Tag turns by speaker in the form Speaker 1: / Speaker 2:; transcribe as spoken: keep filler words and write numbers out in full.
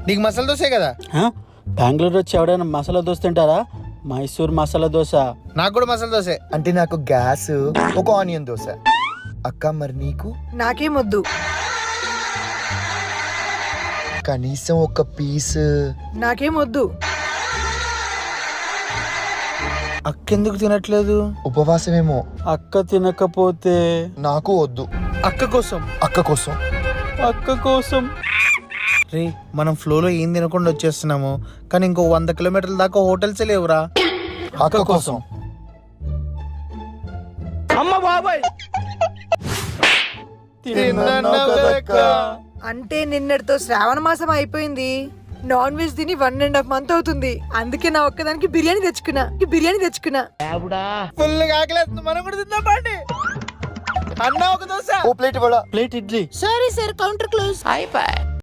Speaker 1: నీకు మసాలా దోశే కదా.
Speaker 2: బెంగళూరు వచ్చి ఎవడైనా మసాలా దోశ తింటారా? మైసూర్ మసాలా దోశ.
Speaker 1: నాకు కూడా మసాలా దోశే.
Speaker 3: అంటే నాకు గ్యాస్, ఒక ఆనియన్ దోశ. అక్క మరి నీకు?
Speaker 4: నాకేమొద్దు.
Speaker 3: కనీసం ఒక పీస్.
Speaker 4: నాకేమొద్దు.
Speaker 1: అక్కెందుకు తినట్లేదు?
Speaker 3: ఉపవాసమేమో.
Speaker 2: అక్క తినకపోతే
Speaker 3: నాకు వద్దు.
Speaker 1: అక్క కోసం.
Speaker 3: అక్క కోసం.
Speaker 2: అక్క కోసం.
Speaker 1: రే మనం ఫ్లోలో ఏం తినకుండా వచ్చేస్తున్నాము, కానీ ఇంకో వంద కిలోమీటర్ల దాకా హోటల్సే లేవురా.
Speaker 3: అక్క కోసం.
Speaker 2: అమ్మ బాబాయ్
Speaker 4: అంటే నిన్నటితో శ్రావణ మాసం అయిపోయింది. నాన్ వెజ్ తిని వన్ అండ్ హాఫ్ మంత్ అవుతుంది. అందుకే నా ఒక్కదానికి బిర్యానీ తెచ్చుకున్నా బిర్యానీ తెచ్చుకున్నా
Speaker 1: ఫుల్ ఆకలేస్తుంది, మనం కూడా తిందాం పండి. అన్న ఒక దోశ.
Speaker 3: ఓ ప్లేట్ ఇవ్వడా?
Speaker 2: Plate idli.
Speaker 4: Sorry sir, counter close.